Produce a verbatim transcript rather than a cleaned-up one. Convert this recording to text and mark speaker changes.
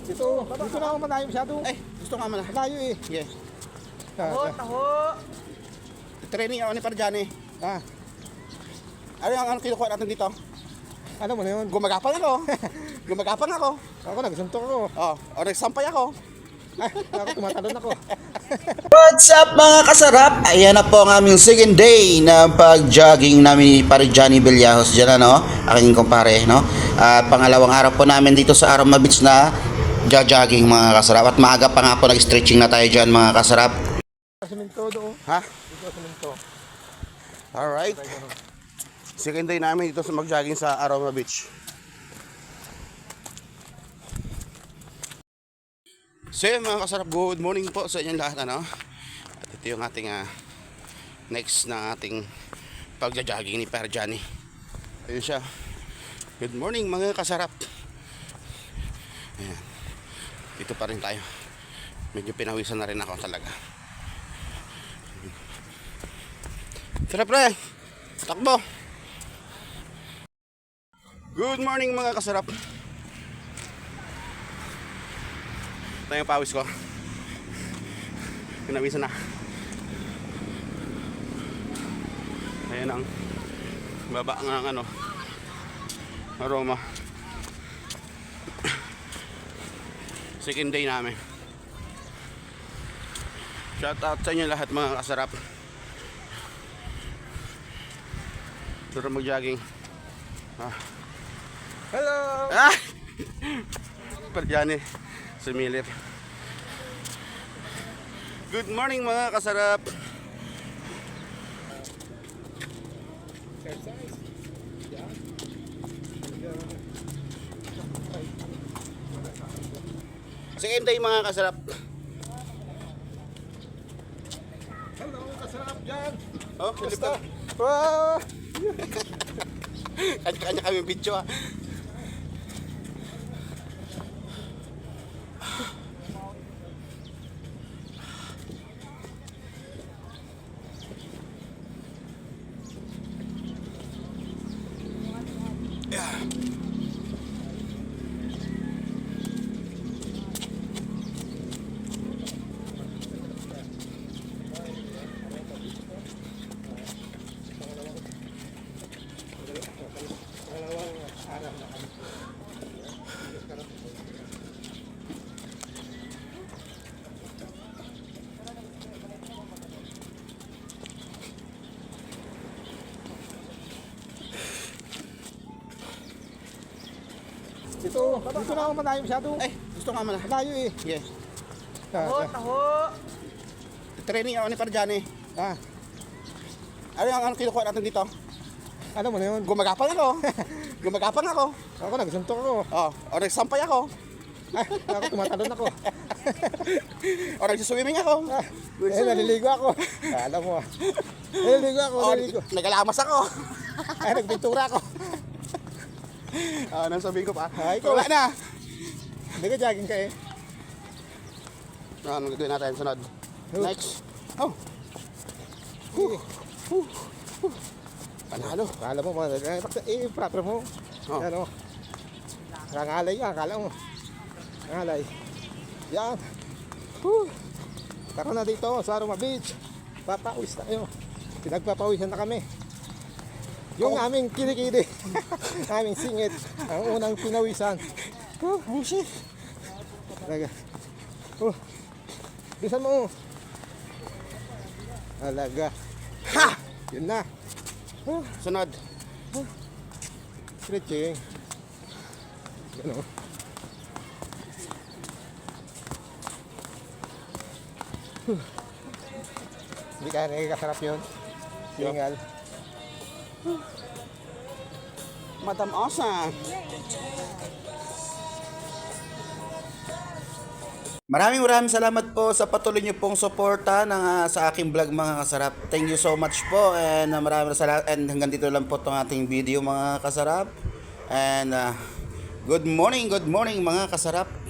Speaker 1: Ito, dito na ako malayo masyado.
Speaker 2: Ay, gusto nga malayo.
Speaker 1: Malayo eh.
Speaker 2: Yes.
Speaker 1: Taho, taho.
Speaker 2: Training ako ni Parjani.
Speaker 1: Ah,
Speaker 2: Ano yung ano kinukuha natin dito?
Speaker 1: ano mo na yun?
Speaker 2: Gumagapang ako. Gumagapang ako.
Speaker 1: Ako nagsuntok ako.
Speaker 2: Oh, o nagsampay ako.
Speaker 1: Ay, ako tumatalon ako.
Speaker 2: What's up mga kasarap? Ayan na po ang aming second day na pag-jogging namin ni Parjani Villajos dyan, ano? Aking kumpare, no? At pangalawang araw po namin dito sa Aroma Beach na jogging mga kasarap. At maaga pa nga po nag-stretching na tayo dyan mga kasarap.
Speaker 1: Siminto doon.
Speaker 2: Ha?
Speaker 1: Dito siminto.
Speaker 2: Alright. Second day namin dito sa mag-jogging sa Aroma Beach. So yun mga kasarap, good morning po sa inyong lahat, ano? At ito yung ating uh, next na ating pagja-jogging ni Parjani. Ayun siya. Good morning mga kasarap. Ayan. Dito pa rin tayo. Medyo pinawisan na rin ako talaga. Tara pre, takbo. Good morning mga kasarap. Ito yung pawis ko. Pinawisan na. Ayan ang baba ng ano, aroma. Second day namin. Shout out sa inyo lahat mga kasarap. Tara mag-jogging. Ah.
Speaker 1: Hello!
Speaker 2: Ah! Parjani sumilip. Good morning mga kasarap.
Speaker 1: Exercise. Yan.
Speaker 2: Second day mga kasarap.
Speaker 1: Hello, kasarap dyan.
Speaker 2: Oh, silip
Speaker 1: Basta.
Speaker 2: ka.
Speaker 1: Wow!
Speaker 2: Kanya-kanya kami video ah. Yeah.
Speaker 1: Ito, dito na ako malayo masyado.
Speaker 2: Ay, gusto nga malayo.
Speaker 1: Malayo eh.
Speaker 2: Yes.
Speaker 1: Taho, taho.
Speaker 2: Training ako ni Parjani.
Speaker 1: Ah,
Speaker 2: Ano yung ano kinukuha natin dito?
Speaker 1: ano mo na yun?
Speaker 2: Gumagapang ako. Gumagapang ako.
Speaker 1: Ako nagsuntok ako.
Speaker 2: Oh, o nagsampay ako.
Speaker 1: Ay, ako tumatalon ako.
Speaker 2: O nagsiswimming ako.
Speaker 1: Ah, eh, naliligo ako. Alam mo ah. Naliligo ako,
Speaker 2: O
Speaker 1: naliligo.
Speaker 2: nagalamas ako.
Speaker 1: Ay, nagpintura ako.
Speaker 2: Ah, nang sabihin ko pa.
Speaker 1: Ay, ikaw.
Speaker 2: Wala na.
Speaker 1: Hindi ka jogging ka eh.
Speaker 2: Ano gagawin natin sunod?
Speaker 1: Oh.
Speaker 2: Next. Oh,
Speaker 1: Huh.
Speaker 2: huh, huh. Panalo.
Speaker 1: Akala mo, mga, eh, bakit- eh, proper mo.
Speaker 2: Oh.
Speaker 1: Ano? Nangalay ka, akala mo. Nangalay. Yan. Huh. Tako na dito sa Aroma Beach. Papawis tayo. Pinagpapawisan na kami. Yung
Speaker 2: Oh.
Speaker 1: aming kilikili. Aming singit. Ang unang pinawisan. Huh.
Speaker 2: Oh, shit.
Speaker 1: Talaga. Oh. Bisan mo. Talaga.
Speaker 2: Ha!
Speaker 1: Yun na. Oh.
Speaker 2: Sunod.
Speaker 1: Stretching. Gano. Huh. Hindi ka nakikasarap yun. Singal.
Speaker 2: Madam Osa. Maraming maraming salamat po sa patuloy niyo pong suporta ng, uh, sa aking vlog mga kasarap. Thank you so much po and uh, maraming salamat and hanggang dito lang po itong ating video mga kasarap. And uh, good morning, good morning mga kasarap.